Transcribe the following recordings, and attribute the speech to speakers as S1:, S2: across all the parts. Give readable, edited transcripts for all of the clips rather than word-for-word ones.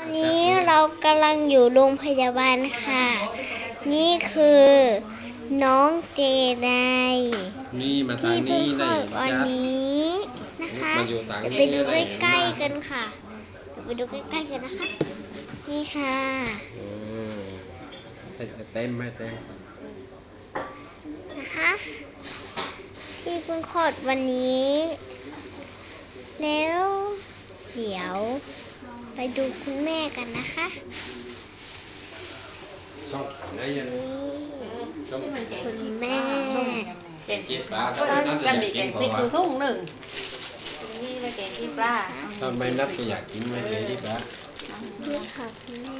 S1: วันนี้เรากำลังอยู่โรงพยาบาลค่ะนี่คือน้องเจได
S2: นี่มาทา
S1: ที่
S2: ง
S1: เพิ่
S2: นี้
S1: งคล
S2: ได้
S1: อดวัน
S2: ยัด
S1: นี้นะคะ
S2: มาอยู่ต่าง
S1: เดี๋ยว
S2: ที่
S1: ไปดู
S2: ได้
S1: ใกล้ๆกันค่ะเดี๋ยวไปดูใกล้ๆกันนะคะนี่ค่ะ
S2: ให้เต็มให้เต็ม
S1: นะคะที่เพิ่งคลอดวันนี้แล้วเดี๋ยวไปดูคุณแม่กันนะคะ
S2: ชอบได้ยัง
S1: นี่
S2: ชอบ
S1: คุณแม่
S3: แกง
S2: กินปลา
S3: ก็จะมีแกงพริกอยู่ทุ่งหนึ่งนี่เลยแกงขี้ปลา
S2: ถ้าไม่นับก็อยากกินไม่กินที่ปลา
S1: นี่ค่ะคุณแม่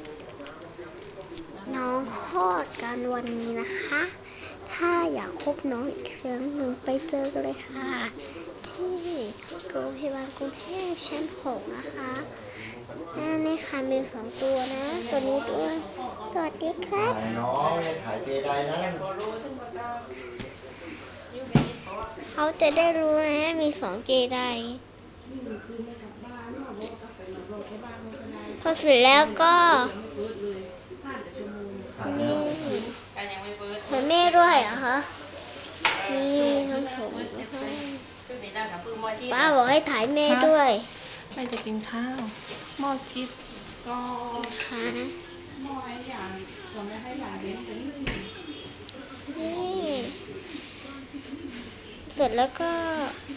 S1: น้องคลอดกันวันนี้นะคะ ถ้าอยากพบน้องอีกครั้งหนึ่งไปเจอกันเลยค่ะ ที่โรงพยาบาลกรุงเทพชั้น 6นะคะนี่ค่ะมี2ตัวนะตัวนี้ด้วยสวัสดีครับ
S4: น้องถ่ายเจไดนะ
S1: เขาจะได้รู้นะมี2เจไดพอเสร็จแล้วก็นี่
S3: การยังไม่เปิด
S1: เหมือนแม่ด้วยเหรอคะนี่น้องผมนะคะ
S3: มีด้านกับปื้มมอจี
S1: ป้าบอกให้ถ่ายแม่ด้วย
S5: ไม่จะกินข้าวหม้อคิดก็
S1: ค่ะ
S5: หม้อไอ้อย่างเราไม่ให้อย่างเลี้ยงเป็น
S1: นี่เสร็จแล้วก็